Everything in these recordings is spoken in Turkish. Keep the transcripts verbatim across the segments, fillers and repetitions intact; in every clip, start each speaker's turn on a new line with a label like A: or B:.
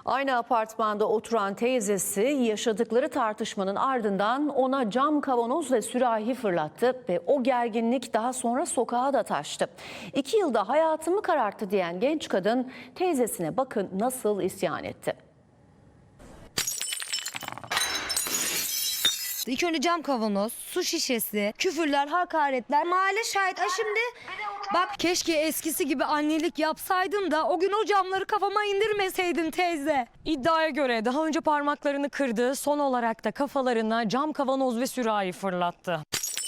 A: Aynı apartmanda oturan teyzesi yaşadıkları tartışmanın ardından ona cam kavanoz ve sürahi fırlattı ve o gerginlik daha sonra sokağa da taştı. İki yılda hayatımı kararttı diyen genç kadın teyzesine bakın nasıl isyan etti.
B: İlk önce cam kavanoz, su şişesi, küfürler, hakaretler. Mahalle şahit. Ha şimdi bak, keşke eskisi gibi annelik yapsaydın da o gün o camları kafama indirmeseydin teyze.
C: İddiaya göre daha önce parmaklarını kırdı, son olarak da kafalarına cam kavanoz ve sürahi fırlattı.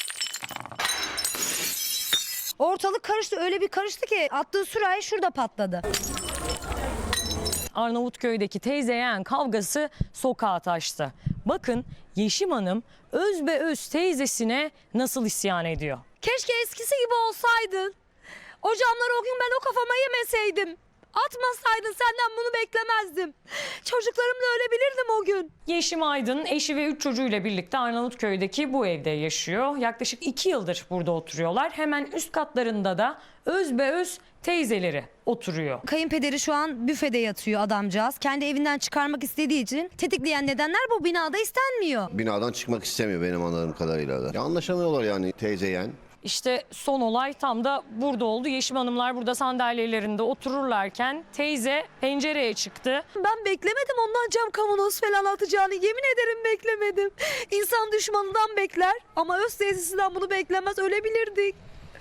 B: Ortalık karıştı, öyle bir karıştı ki attığı sürahi şurada patladı.
C: Arnavutköy'deki teyze yeğen kavgası sokağa taştı. Bakın Yeşim Hanım öz be öz teyzesine nasıl isyan ediyor.
B: Keşke eskisi gibi olsaydın. O camları o gün ben o kafama yemeseydim. Atmasaydın, senden bunu beklemezdim. Çocuklarımla ölebilirdim o gün.
C: Yeşim Aydın eşi ve üç çocuğuyla birlikte Arnavutköy'deki bu evde yaşıyor. Yaklaşık iki yıldır burada oturuyorlar. Hemen üst katlarında da öz be öz teyzeleri oturuyor.
B: Kayınpederi şu an büfede yatıyor adamcağız. Kendi evinden çıkarmak istediği için tetikleyen nedenler bu binada istenmiyor.
D: Binadan çıkmak istemiyor benim anladığım kadarıyla da. Ya anlaşamıyorlar yani teyze yeğen.
C: İşte son olay tam da burada oldu. Yeşim Hanımlar burada sandalyelerinde otururlarken teyze pencereye çıktı.
B: Ben beklemedim ondan cam kavanoz falan atacağını, yemin ederim beklemedim. İnsan düşmanından bekler ama öz teyzesinden bunu beklemez, ölebilirdik.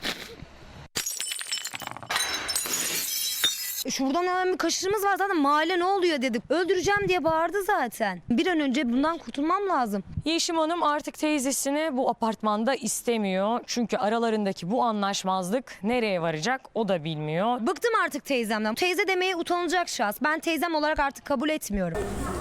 B: Şuradan hemen bir kaşığımız var, zaten mahalle ne oluyor dedik. Öldüreceğim diye bağırdı zaten. Bir an önce bundan kurtulmam lazım.
C: Yeşim Hanım artık teyzesini bu apartmanda istemiyor. Çünkü aralarındaki bu anlaşmazlık nereye varacak o da bilmiyor.
B: Bıktım artık teyzemden. Teyze demeye utanılacak şahıs. Ben teyzem olarak artık kabul etmiyorum.